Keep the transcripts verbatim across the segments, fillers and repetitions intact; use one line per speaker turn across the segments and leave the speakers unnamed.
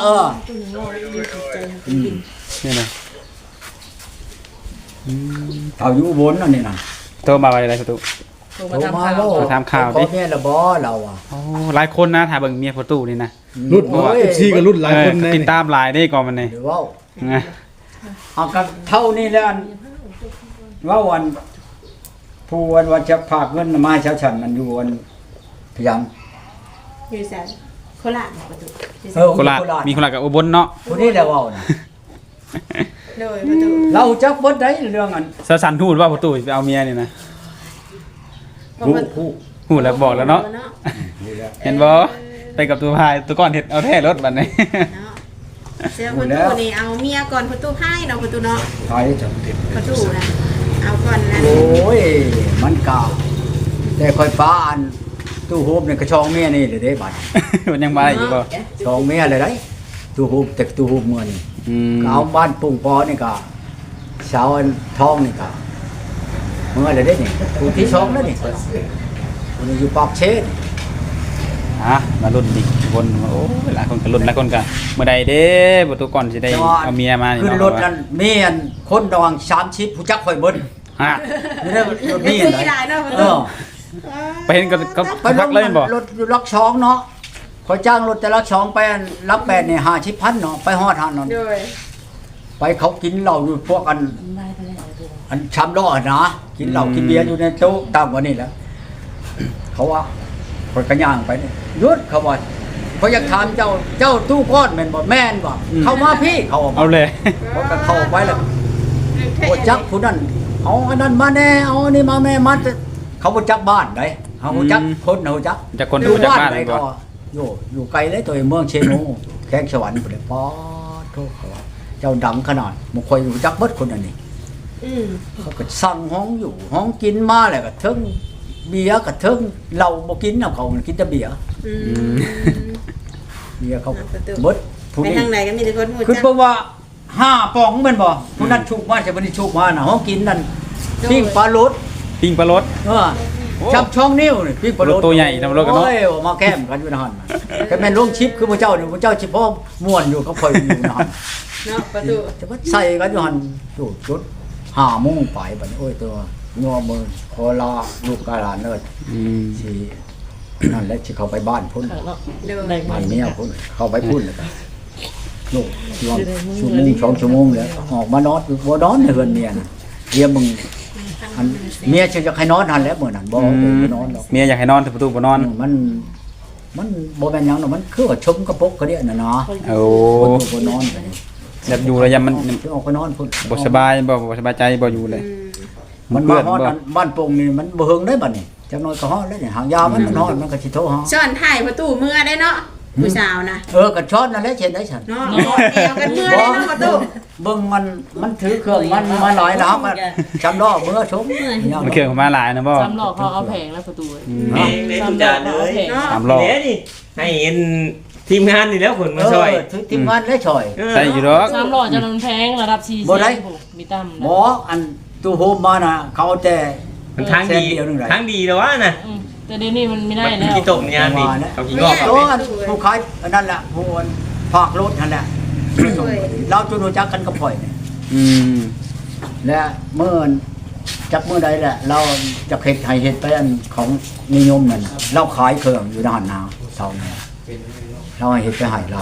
ออ
นี่นะ
เฒ่าอยู่อุบลนั่นนี่น่ะ
โทรมาอะไรประตู
โทรมาเว้า
ถามข่าวดิ
ขอแม่ละบ่เราอ่ะ
โอ้หลายคนนะถ้าเบิ่งเมียประตูนี่นะ
รุ่น เอฟ ซีก็รุ่นหลายคนแน่
ติดตามหลายได้ก่อนมันนี่
หรือว่าเอากันเท่านี้แล้วว่าวันผู้วันวันจะฝากเงินมาให้ชาวฉันมันอยู่วันพยายาม
อยู่แสนโคราชประตู
เออ
โคราชมีโคราชกับอุบลเนาะ
ผู้นี้แหละว่านะ
โดยประตู
เราจักเบิดได้เรื่องอัน
สะสันทูดว่าประตูไปเอาเมียนี่นะ
ผู้ผู้
หูแล้วบอกแล้วเนาะเห็นบ่ไปกับตัวพายตัวก้อนเห็ดเอาแท้รถบัดนี้
เสียประตูนี่เอาเมียก่อนประตูให้เนาะประตูเนาะ
ใครจังติด
ประตูนะเอาก่อนนะ
โอ้ยมันกาแต่ค่อยฟ้าอันตู้โฮมนี่ก็ช่องเมียนี่เด้เด้บัด
มันยังมาอีกบ่
ช่องเมียเลยได้ตู้โฮมแต่ตู้โฮมเมื่อนี่
อืม
เอาบ้านปุ่งปอนี่ก็เสาอันทองนี่ก็เมื่อเลยได้นี่ผู้ที่ช่องแล้วนี่คนนี้อยู่ปากเชน
ฮะมารุ่นอีกคนโอ้หลายคนก็รุ่นหลายคนก็เมื่อใดเด้ประตูก่อนสิได้เอาเมียมานี่
ขึ้น
เนาะ
รถนั้นมีอันคนระวังสามชิปผู้จักข่อยเบิ้ล
ฮะ
นี่ได้รถมีอันไหนเออ
ไปเห็นก็ก็
ไปร
พั
ถ
กเลยบ่
รถลักช้องเนาะข่อยจ้างรถแต่ลักช้องไปอันรับแปดนี่ห้าชิปพันเนาะไปฮอดหันเนาะ
โดย
ไปเขากินเหล้าอยู่พวกอันอันชามล้อนะกินเหล้ากินเบียร์อยู่ในโต๊ะตามกว่านี่แหละเขาว่าข่อยกระย่างไปนี่หยุดเขาว่าเขาอยากถามเจ้าเจ้าตู้ก้อนแม่นบ่แม่นบ่เข้ามาพี่เขา
เอาเลย
เขาก็เข้าไปแล้วโอ้จักผู้นั้นเอาอันนั้นมาแน่เอาอันนี้มาแม่มาเขาบ่จักบ้านได้เขาบ่จักคนเขาจัก
จากคนดูจากบ้าน
ไหน
เลย
ก็
บ่
อยู่อยู่ไกลเลยตัวเมืองเชโนแขกสวรรค์พุ่นเลยป๊อดโทษเขาว่าเจ้าดังขนาดบ่ค่อยรู้จักเบิดคนอันนี้
อืม
เขาก็สั่งห้องอยู่ห้องกินมาแล้วก็เทิงเบียร์ก็เทิงเหล้าบ่กินนำเขากินแต่เบียร์
อืม
เบียร์เขาเบิดผู้
ไป
นี้
ทางไหนก็มีแต่คนหู
คือ
จัก
เพิ่นว่าห้าป๋องแม่นบ่ผู้นั้นชุกมาใช่บ่ได้ชุกมาน่ะห้องกินนั่นปิ้งปลาโลด
ปิ้งปลารส
เออจับช่องนิ้วนี่ปิ้งปลาโลด
ตัวใหญ่นะปลาโลดกันเนาะ
โอ้ยมาแก้มกันอยู่นั่นน่ะแต่แม่นลงชิปคือพระเจ้านี่พระเจ้าสิพ่อม่วนอยู่กับข่อยอยู่นั่น
เนาะประตู
จะว่าใส่กันอยู่หั่นจุดจุดห้าโมงไปบัดนี้โอ้ยตัวงัวมือขอลาลูกกาหลานเด้อ
อืม
สินั่นแหละสิเข้าไปบ้านพุ่น
โดย
บ้านเมียพุ่นเข้าไปพุ่นแล้วก็ลูกรวมชั่วโมงสองชั่วโมงแล้วออกมานอนบ่นอนในเฮือนเมียน่ะเดี๋ยวมึงอันเมียจะให้นอนหั่นแหล้วมื้อนั้นบ่เอาไปนอนดอก
เมียอยากให้นอนแต่ประตูบ่นอน
มัน มันบ่แม่นหยังดอกมันคือว่าชมกระปกกระเดียน่ะเนาะ
โอ้
บ่ถูกบ่นอน
แบบอยู่ระยะมัน
สิออกไปนอนพุ่น
บ่สบายบ่บ่สบายใจบ่อยู่เลย
อืม
มันมาฮอดอันบ้านโป่งนี่มันบ่เฮิงได้บัดนี้จักหน่อยก็ฮอดแล้วนี่หางยามันมันฮอดมันก็สิโทรหา
ซ่อนถ่ายประตูเมื่อได้เนาะผู้สาวนะ
เออก็ช้อนนั่นแหละเช่นได้ฉัน
เนาะกอดเอวกันเมื่อได้เนาะประตู
เบิ่งมันมันถือเครื่องมันมาหลายแล้วก็จำล้อมือชม
มันเครื่องมาหลายนะบ่
สามหลอกเขาเอาแผงแล้วประตู
แม่งเล่นทุกจานเลย
เนาะ
สามรอบ
เดี๋ยวนี่ให้เห็นทีมงานนี่แล้วคนมา
เอ
ช่วย
อถือทีมงานและช่วย
เออ
ใส่อยู่ดอก
สามหลอกจะนำแพงระดับสี่
บ่ได้
มีตั้ม
หมออันตู้โฮมมาน่ะเขาเอาแต่
มันทางดี
แสนเดียวนึงไหน
ทางดีแล้ววะน่ะ
แต่เดี๋ยวนี้มันไม่ได้
มัน
แล้ว
กี่ตกงานนี่เขากี่งอก
ตัวอันผู้ขายอันนั้นแหละผู้อันภาครถนั่นแหละเราจนรู้จักกันกับข่อยนี่
อืม
และเมื่อจักเมื่อใดแหละ เราจะเฮ็ดให้เฮ็ดไปอันของนิยมนั่นน่ะเราขายเครื่องอยู่ในหันนาเท่านั้นเราให้เฮ็ดไปให้เรา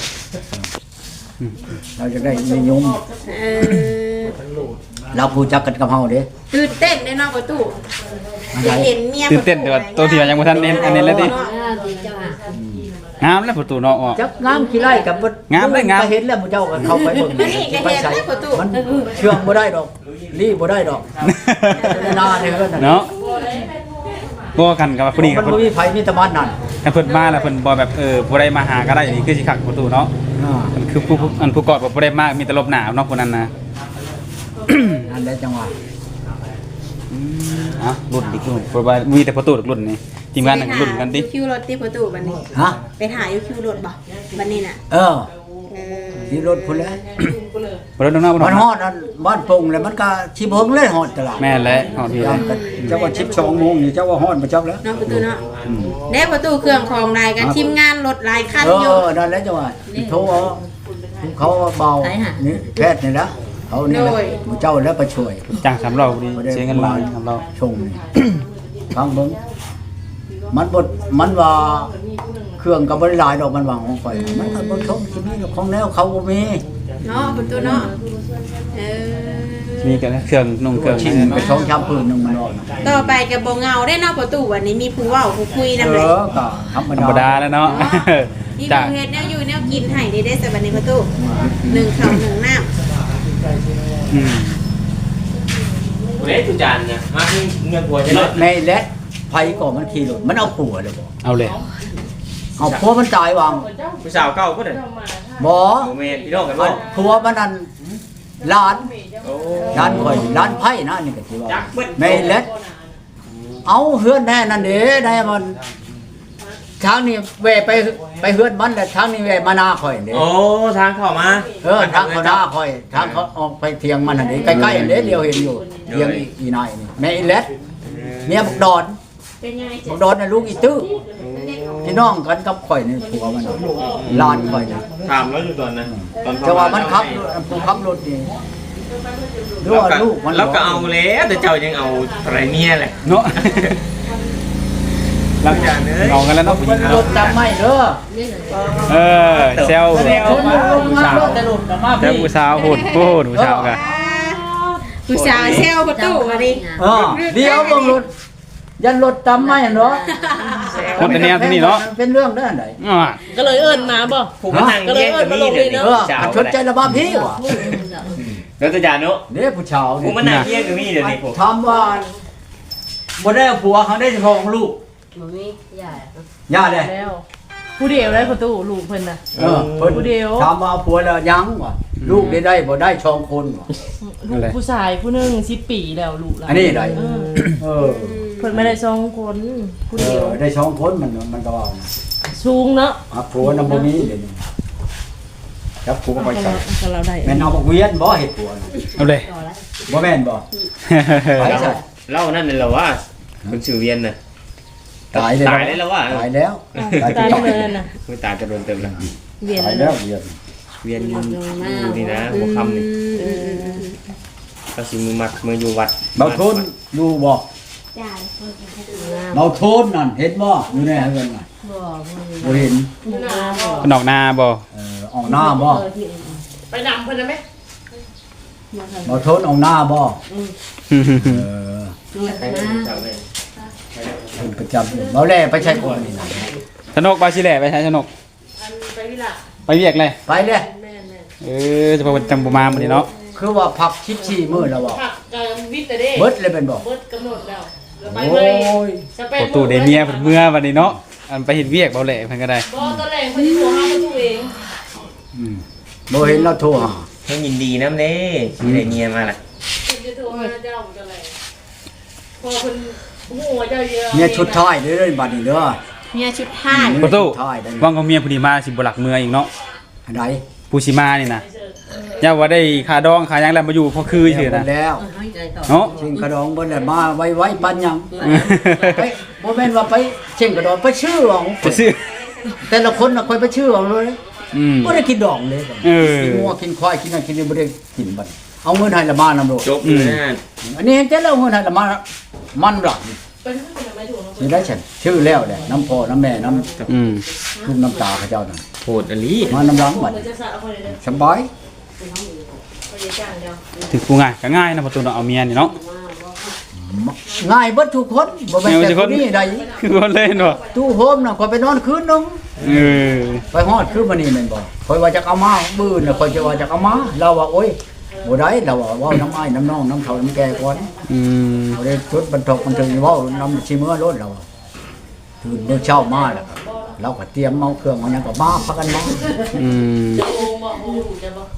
เราจะได้นิยม
เออ
เราผู้จักกันกับเฮาเด้
ตื่นเต้นได้เนาะประตูได้เห็นเมีย
ตื่นเต้นแต่ว่าตัวที่ว่ายังบ่ทันเน้นอันนี้เลยดิงามแล้วประตูเนาะออก
จักงามขี้ไร่กับบ่
งามเลยงาม
ก็เห็นแล้วหมู่เจ้าก็เข้าไปเบิ่ง
มันนี่ก็เห็นแล้วประตู
มันเชื่องบ่ได้ดอกรีบ่ได้ดอกนาเนี่ยเพิ่นน่ะ
เนาะบ่กันกับผู้นี้ค
มั
รับ
นบ่มีไผมีแต่บ้านนั่น
ถ้าเพิ่นมาแล้วเพิ่นบ่แบบเออบ่ได้มาหาก็ได้นี่คือสิคักประตูเนาะ
อ่า
มันคือผู้ผู้อันผู้กอดบ่ได้มามีแต่ลบหน้าเนาะคนนั้นนะ
นั่นแหละจังหวะ
อ่ะรุ่นอีกรุ่นเพราะว่ามีแต่ประตูรุ่นนี่ทีมงานนั่นรุ่นกันดิ
คิวรถที่ประตูบัดนี้
ฮะ
ไปถ่ายอยู่คิวรถบ่บัดนี้น่ะ
เออ
เออ
ที่รถพุ่นแหล้ว
บ่ได้น้องน้าบ่
มันฮอดอันบ้านปงแล้วมันก็ชิบเฮิงเลยฮอดตลาด
แม่นแหละฮอดพี่
ยามกันเจ้าว่าชิบสองโมงนี่เจ้าว่าฮอดบ่จักแล้ว
เนาะประตูเนาะเด้ประตูเครื่องของนายกันทีมงานรถหลายคัน
เอ
อยู่
อนั่นแหละจังว่าโทรเอาเขาเบานี่แพทย์นี่นะเขานี่แหละเจ้าแล้วไปช่วย
จ้างสามเราดีเสียเงินหลายสามเรา
ชงนี่ ฟังเบิ่งมันบดมันว่าเครื่องกับบริลายดอกมันวางของข่อยมันก็บ่ชมสิมีของแนวเขาบ่มี
เนาะประตูเนาะเออ
มีกันเครื่องนุ่งเครื่อง
ชิ้นไปช่องชามปืนหนึงมันออก
ต่อไปก็บ่เหงาได้เนาะประตูวันนี้มีผู้เว้าผู้คุยนำ
เอ
เลย
อก็ธรรม
ธรรม
ดา
ดาแล้วเนาะ
นี่
จ้า
ดูเฮ็ดแนวอยู่แนวกินให้ได้ได้สักวันนี้ประตูหนึ่งข้าวหนึ่งน้ำ
อืม
เละทุกจานนะมาที่เงินผัวจะเลิก
ในแลดไผก็มันขี่รถมันเอาผัวเลยบ่
เอาเลย
เอาผัวมันตายวาง
ผู้สาวเก่าก็ได้
บ่
โมเมนพี่น้องกัน
อั
บ่
นผัวมันนั่นร้าน
โอ้
ร้านข่อยร้านไผ่นะนี่ก็สิว่า
จักเบิด
ในแลดเอาเฮือนแน่นั่นเด้ได้มันทางนี้แวไปไปเฮือนมันแต่ทางนี้แวมาหน้าข่อยเด้
โอ้ทางเข้ามา
เออทางเขาหน้าข่อยทางเขาออกไปเทียงมันอันนี้ใกล้ๆอันนี้เดียวเห็นอยู่เทียงอีอีนายนี่แม่อีเล็ดเนี่ยบักดอน
เป็นยังไง
บักดอนน่ะลูกอีตื้อพี่น้องกันกับข่อยนี่ผัวมันน่ะหลานข่อยนะ
ถามแล้วอยู่ตอนนั้นตอน
แต่ว่ามันขับผู้ขับรถนี่ดูว่าลูกมัน
แล้วก็เอาแล้วแต่เจ้ายังเอาอะไรเมียแหละ
เนาะ
หลังจากนี้
เอากันแล้วเนาะผู้หญิ
มั
ง
นรถจำไม่เด้อ
เออเซล
แสดงคนอยู่ลงมา
สาว
รถแต่รถก็มา
เซลผู้สาวโหดโหดผู้สาวกัน
ผู้สาวเซลประตูวันนี้
เออเดี๋ยวเบิ่งรถยันรถจำไม่เนาะ
คนแต่เนี้ยที่นี่เนาะ
เป็นเรื่องได้อันใด
อ่า
ก็เลยเอิ้นมาบ่
ผู้มานั่งเลี้ยงกับมีเลยนี่
เออ
สาว
อันชดใจระบาพี่ว่ะ
แล้วตัวจานเนาะ
เด้ผู้ชาว
ผู้
นี่
มานั่งเลี้ยงกับมีเดี๋ยวนี้ผม
ถามว่าบ่ได้เอาผัวเขาได้ทองลูก
มันไม่ใหญ่
ย่าเลย
แล้วผู้เดียวได้ประตูลูกเพิ่นน่ะ
เออเพิ่น
ผู้เดียว
ถามว่าเอาผัวแล้วยังวะลูกได้ได้บ่ได้ชองคนวะ
ลูกผู้ชายผู้หนึงสิบปีแล้วลูกหลาน
อันนี้ได้
เออ
เออ
เพิ่นไม่ได้สองคนผู้
เอ
เดียว
อได้ชองคนมันมันก็ว่านะ
สูงเนาะ
อ่ะผัวนำบ่มีเดี๋ยวนี้จับผัวก็ไปใส่
ก็เราได้
แม่นเอาบักเวียนบ่เฮ็ดผัวน่ะ
เอาเลย
บ่แม่นบ่ไปใส่
เล่านั่นเลยเหรอว่าคนชื่อเวียนน่ะ
ตายเลย
ตายได้แล้ววะ
ตายแล้ว
ตายเลยน่ะ
ไม่ตายจะโดนเต็มแล้ว
เวียน
ตาย
แล้
แล้ว วเวียน
เวียนอยู่นี่นะหัวคำนี่ก็สิมือมัดมืออยู่วัด
เบาโทนดูบ่เบาโทนนั่นเห็นบ่อยู่ในเฮือนน่ะ
บ่มัน
บ่เห็น
คนออกหน้าบ่
เออออกหน้าบ่
ไปนำเพิ่นได้ไหม
เบาโทนออกหน้าบ่เออ
เจ้าแม่
เป็นประจำเบาแล่ไปใช้คนนี่นะ
สนุกไปสิแหละไปใช้สนุก
อันไปวิละ
ไปเวียกเลย
ไปเลย
แม่น
เออจะพอจำบ่มามื้อนี้เนาะ
คือว่าพักชิดชีมื้อแล้วบ่
ๆผักกับวิทย์แต่เด้
เบิดเลยเป็นบ่
เบิดกำหนดแล้วแล้วไป
โอ้
เลย
ย
จะไป
ประตูเดเมียเพิ่นเมื่อวันนี้เนาะอันไปเฮ็ดเวียกเบาแหละเพิ่นก็ได้
บ่ตอนแรกเพิ่นสิโทรหาประตูเอง
อืมบ่เห็นเราโทรหา
ให้ยินดีน้ำเน่ที่ได้เมียมาล่ะ
เพิ่นจะโทรหาเจ้าตอนแรกพอเพิ่นฮู้ว่าเจ้าเยอะ
เนี่ยชุดท้ายเด้อบัดนี้เด้อ
เมียชุดท้าย
ประตู
ชุดท้ายได้
ว่างก็เมียผู้นี้มาสิบ่หลักเมืออีกเนาะ
อันใด
ผู้สิมานี่นะอย่าว่าได้ค่าดองค่าหยังแล้วมาอยู่พอคือซื่อนะ
แล้ว
ให้ใจต่อ
เนาะ
เชิงกระดองเบิ่นแล้วมาไว้ๆปันหยังไปบ่แม่นว่าไปเชิงกระดองไปชื่อเอา
จะซื้อ
แต่ละคนน่ะค่อยไปชื่อเอาเลย
อืม
บ่ได้กินดองเลย
เออ
กินงัวกินควายกินนั่นกินนี่บ่ได้กินบัดเอาเงินให้ละมานำโลด
จบเลยนะ
อันนี้เห็นแต่แล้วเงินให้ละมามันหลัก
เป็นเพิ่นไม่ถูกเนาะ
สิได้ฉันชื่อแล้วแหละน้ำพ่อน้ำแม่น้ำ
อืม
ลูกน้ำตาเขาเจ้านั่น
โหดอลี
มาน้ำรังบัด
เพิ่นจะสะเอาคนเดียว
สบาย
เพิ่นจะจ้างเดียว
ถึงผู้ง่ายก็ง่ายนะประตูเนาะเอาเมียนี่เนาะ
ง่ายเบิดทุกคนบ่แม่นแต่คนนี้ใด
คือคนเล่นบ่
ตู้โฮมน่ะข่อยไปนอนคืนนึง
เออ
ไปฮอดคืนมานี่แม่นบ่ข่อยว่าจะเอามาบื้อน่ะข่อยจะว่าจะเอามาเราว่าโอ๊ยบ่ได้เราว่าเว้าน้ำอ้ายน้ำน้องน้ำเฒ่าน้ำแก่ก่อน
อืม
บ่ได้ชุดบรรทกมันถึงเว้าน้ำสิมื้อรถเราอะตื่นเมื่อเช้ามาแล้วก็เราก็เตรียมเอาเครื่องเอาหยังก็มาพักกันมา
อืม
จะโอมบ่โอมจะบ่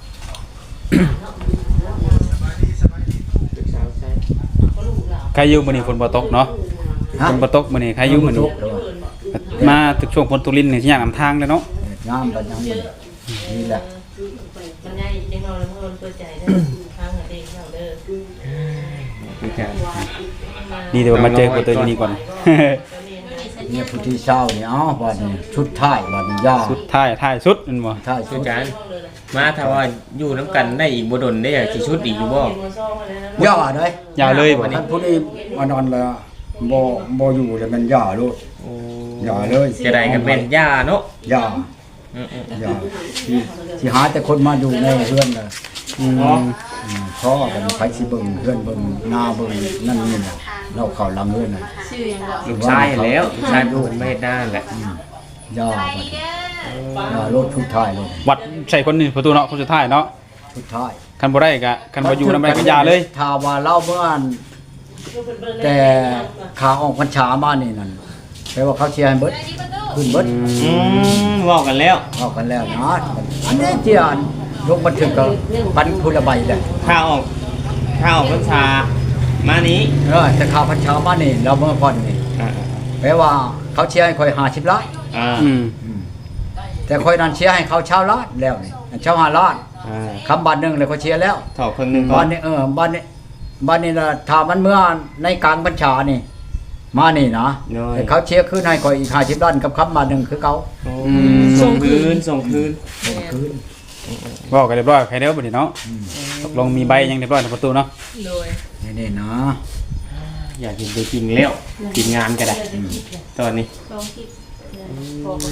ใครอยู่มื้อนี้ฝนบ่ตกเนาะ
ฮะ
ฝนบ่ตกมื้อนี้ใครอยู่มื้อนี้
ตกแล้วอะ
มาถึงช่วงฝนตกลิ้นนี่สิยากนำทางเลยเนาะ
งามบัดยังนี่แหละ
มันใหญ่จังเนาะเพิ่นคนเปิดใจได้ทางเด็กเราเด้อ
คือกัน
ดีแต่ว่ามาเจอกับตัวนี้ก่อน
เนี่ยผู้ที่เศร้าเนี่ยเอ้าบัดนี้ชุดท้ายบัดนี้ย่า
สุดท้ายท้ายสุดนั่นบ่
ท้าย
คื
ชุ
อ
ด
กันมาถ้าว่าอยู่น้ำกันได้อีกบ่ดนได้อะสิชุดอีกอยู่บ่
ย่าเด้ย
ยาวเลยบ่
ท่านผู้นี้มานอนแล้วบ่บ่อยู่แล้วมันย่าโลด
โอ้
ย่าเลย
จะได้กันเป็นย่าเนาะ
ย่า
อืม
ย่าที่ที่หาแต่คนมาอยู่ในเรือนน่ะ
อืม
อืมพ่อกันไผสิเบิ่งเรือนเบิ่งหน้าเบิ่งนั่นนี่น่ะเราเข้าหลังเรือนน่ะ
ชื่อยังบอก
ๆลูกชายแล้วลูกชายเป็นคนไม่เฮ็ดด้านแหละ
ย่าบัดนี้ย่าโลดชุดท้ายโลด
วัดใส่คนนี้ประตูเนาะคนสุดท้ายเนาะ
ชุดท้าย
คันบ่ได้ก็คันบ่อยู่นำได้ก็ยาเลย
ถ้าว่าเล่าเมื่ออันแต่ขาออกพรรษามานี่นั่นแปลว่าเขาเชียร์ให้เบิดขึ้นเบิด
อืมเว้ากันแล้ว
ออกกันแล้วนะอันนี้เจียนลงบันทึกกับปันพุละใบเลย
ข้าออกข้าออกพรรษามานี้
เออแต่ขาพรรษามานี่เราเมื่อก่อนนี่
อ่า
แปลว่าเขาเชียร์ให้คอยหาชิบล้าน
อ่า
อืม
แต่คอยนั่นเชียร์ให้เขาเช่าล้านแล้วนี่เช่าหาล้าน
อ่า
คำบัตรหนึ่งเลยเขาเชียร์แล้ว
ถอดครึ่งหนึงก่อ
บ้าน นนี้เออบ้านนี้บ้านนี้ละถ้ามันเมื่อในกลางพรรษานี่ มานี่นะแต่เขาเชียร์ขึ้นให้คอยอีกห้าสิบล้านกับคำบัตรหนึ่งคือเขา
อืมส่งคืนส่งคืน
คืน
บอกกันเรียบร้อยใครเด้อบัดนี้เนาะตกลงมีใบยังเรียบร้อยในประตูเนาะ
โดย
นี่นี่นะ
อยากกินไปกินแล้วกินงานก็ได้ตอนนี้
ลองคิดพอคน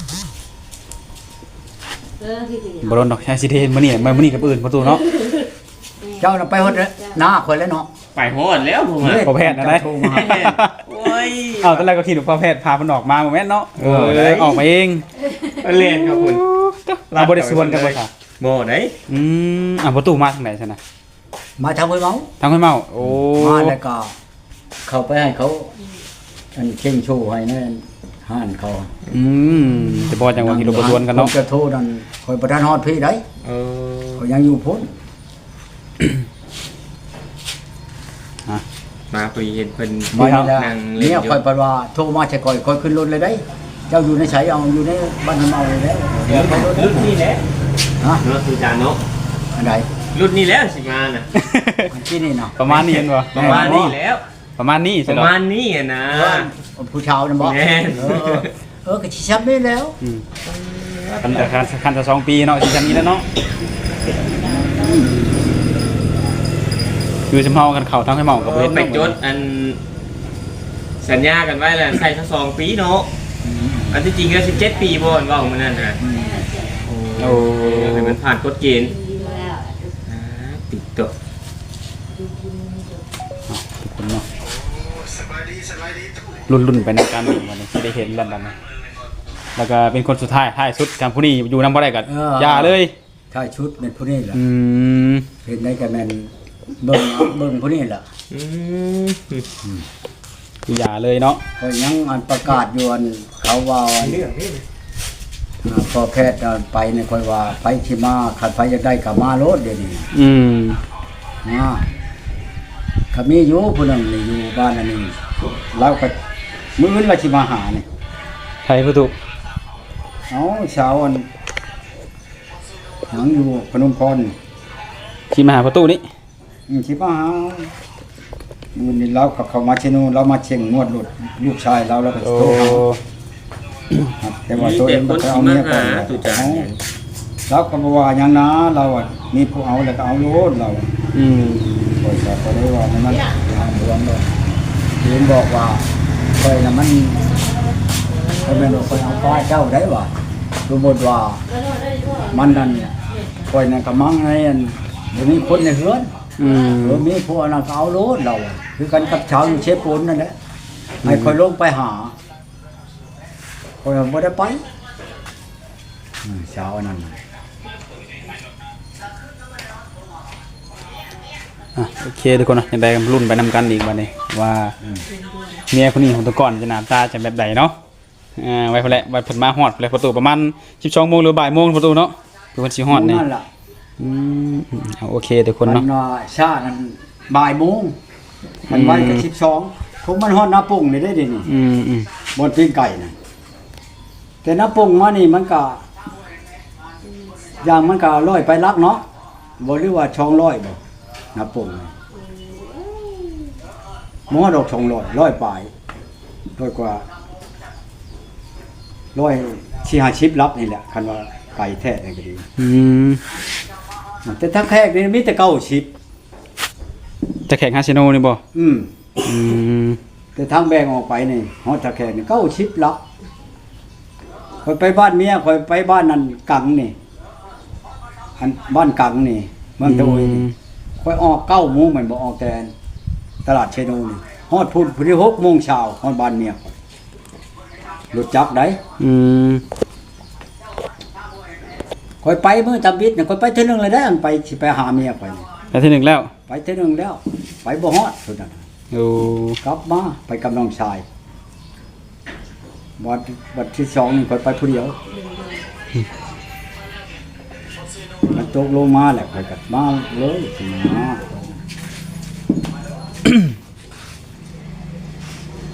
เออที่ที่
บ่โดนดอกใช้สิเทนมื้อนี้มื้อนี้กับอื่นประตูเนาะ
เจ้าน่ะไปหดเลยหน้าคอยแล้วเนาะ
ไปโหดแล้วผมอ่ะ
พอแพทย์นะได้
โทรมา
โอ้ย
เอาตอนแรกก็คิดว่าพอแพทย์พามันออกมาบ่แม่นเนาะเออเลยออกมาเอง
เล่นครับคุณ
เราบ่ได้สวนกันบ่ค่ะ
โมได้
อืมอ่ะประตูมาทางไหนซั่นน่ะ
มาทำไว้เมา
ทางห้วยเมาโอ้
มาแล้วก็เข้าไปให้เขาอันเข่งโชว์ให้นั่นห้านเขา
อืมจะบ่จังว่ากิโลบ่สวนกันเนาะ
ผมจะโทษนั่นคอยประทานฮอดพี่ได้
เออ
เขายังอยู่พ้น
มาคุยเห็นเพิ่น
มานี่แหละ
นั่งเล่น
เนี่ย
อยู่
คอยประว่าโทรมาใช่คอยคอยขึ้นรถเลยได้ เจ้าอยู่ในไสเอาอยู่ในบ้านทำเอาเลยแล้วเดี๋ยวไปรถ
รุ่นนี้แหละ
ฮะ
เนาะคือจานเนาะ
อันใด
รุ่นนี้แล้วสิมาน่ะ
อันที่นี่เนาะ
ประมาณนี้เห็นบ่
ประมาณนี้แล้ว
ประมาณนี้
ป
ใช่
ระ
เนาะ
มาณนี้อะนะ
ผู้ชาวนะบอก
แม่น
เออเออเออก็ชิชับได้แล้ว
อืมคันแต่คันคันจะสองปีเนาะสิจังนี้แล้วเนาะคือสำเฮากันเข้าทางห้วยเมาก็บ่
เออ
เฮ็ด
ไป
เนาะ
จดอันสัญญากันไว้แล้วใส่ทั้งสองปีเนาะอันที่จริงก็สิบเจ็ดปีบ่อนว่าของมันนั่นน่ะ
โอ้
ให้มันผ่านกฎเกณฑ์อ่าติดตัว
ทุกคนเนาะรุ่นๆไปในการวิ่งวันนี้ที่ได้เห็นแล้วบัดนี้แล้วก็เป็นคนสุดท้ายท้ายสุดทางผู้นี้อยู่นำบ่ได้ก็อย่าเลย
ใช่ชุดเป็นผู้นี้แหละ
อืม
เห็นได้กันแม่นเบิ่งเอาเบิ่งผู้นี้แหละ
อืม
คืออย่าเลยเนาะ
ก็ยังอันประกาศอยู่อันเขาว่าอัน
เรื่องนี้
อ่าพอแพทย์เอาไปเนี่ยค่อยว่าไปที่มาขัดไปจะได้กับมาโลดเดี๋ยวนี้
อืม
มาขามีอยู่ผู้หนึงนี่อยู่บ้านอันนี้เราก็มื้อนี้ว่าสิมาหานี่
ไทยประตู
เอาเช้าอันหยังอยู่พนมพร
ที่มาหาประตูนี่
อืมสิมาหามื้อนี้เราก็เข้ามาที่นู่นเรามาเชียงงวดลูกลูกชายเราแล้วก็
โอ้
โทรหาครับแต่ว่าตัวเอ
แต่
ง
ค
ก็
น
ไป
สิ
เอา
มา
เมียก่อ
หาน ตุจานเนี่ย
เราก็บอกว่าอย่างนะเราอ่ะมีผู้เอาแล้วก็เอาโลดเราอะ
อืม
คอยจะก็ได้ว่ามันมันหาหวงเลยเห็นบอกว่าคอยน่ะมันคอยแม่นว่าคอยเอาป้าเจ้าได้ว่าสมมติว่ามันนั่นคอยนั่นก็มั่งไงอันเดี๋ยวนี้คนในเฮือน
อืม
เออมีผู้เอานั่นก็เอาโลดเราอะคือกันกับชาวอยู่เชฟปูนนั่นแหละให้คอยลงไปหาคอยบ่ได้ไปอืมเช้าอันนั้นน่ะ
อ่ะโอเคทุกคนเนาะยังได้รุ่นไปนำกันอีกวันนี้ว่าเมียคนนี้ของตัวก่อนจะหน้าตาจะแบบใดเนาะอ่าไว้พอแหละไว้เพิ่นมาฮอดพอแหละประตูประมาณสิบสองโมงหรือบ่ายโมงประตูเนาะคือเพิ่นสิฮอดนี่
นั่นล่ะ
อืมเอาโอเคทุกคนเนาะ
มัว่าชากันบ่ายโมงมันไว้กับสิบสองผมมันฮอดหน้าปุ่งนี่ได้เดินี่
อืมอืม
บนปิ้งไก่น่ะแต่หน้าปุ่งมานี่มันก็อย่างมันก็ร้อยไปลักเนาะบ่หรือว่าช่องร้อยบ่นับปงหมอดอกช่องร้อยร้อยปลายร้อยกว่าร้อยสี่ห้าสิบรับนี่แหละคันว่าไก่แท้นี่ก็ดี
อืม
แต่ทั้งแขกนี่มีแต่เก้าสิบ
จะแข่งคาสิโนนี่บ่
อืม
อืม
แต่ทางแบ่งออกไปนี่ฮอดตะแขกนี่เก้าสิบลักคอยไปบ้านเมียคอยไปบ้านนั่นกังนี่อันบ้านกังนี่เมืองตะโอยนี่คอยออกเก้าโมงมันบ่ออกแต่ตลาดเชโนนี่ฮอดพุ่นพุ่นที่หกโมงเช้าฮอดบ้านเมียข้อยรถจักรได้
อืม
คอยไปมื้อตำบิดน่ะคอยไปเทื่อนึงเลยได้อันไปสิไปหาเมียข้อยนี่
แต่ที่หนึ่งแล้ว
ไปเทื่อนึงแล้ว ไปบ่ฮอดพุ่นน่ะ
โอ้
กลับมาไปกับน้องชายบัดบัดที่สองนี่คอยไปผู้เดียวมันตกลงมาแหละคอยกัดมาเลยสิมา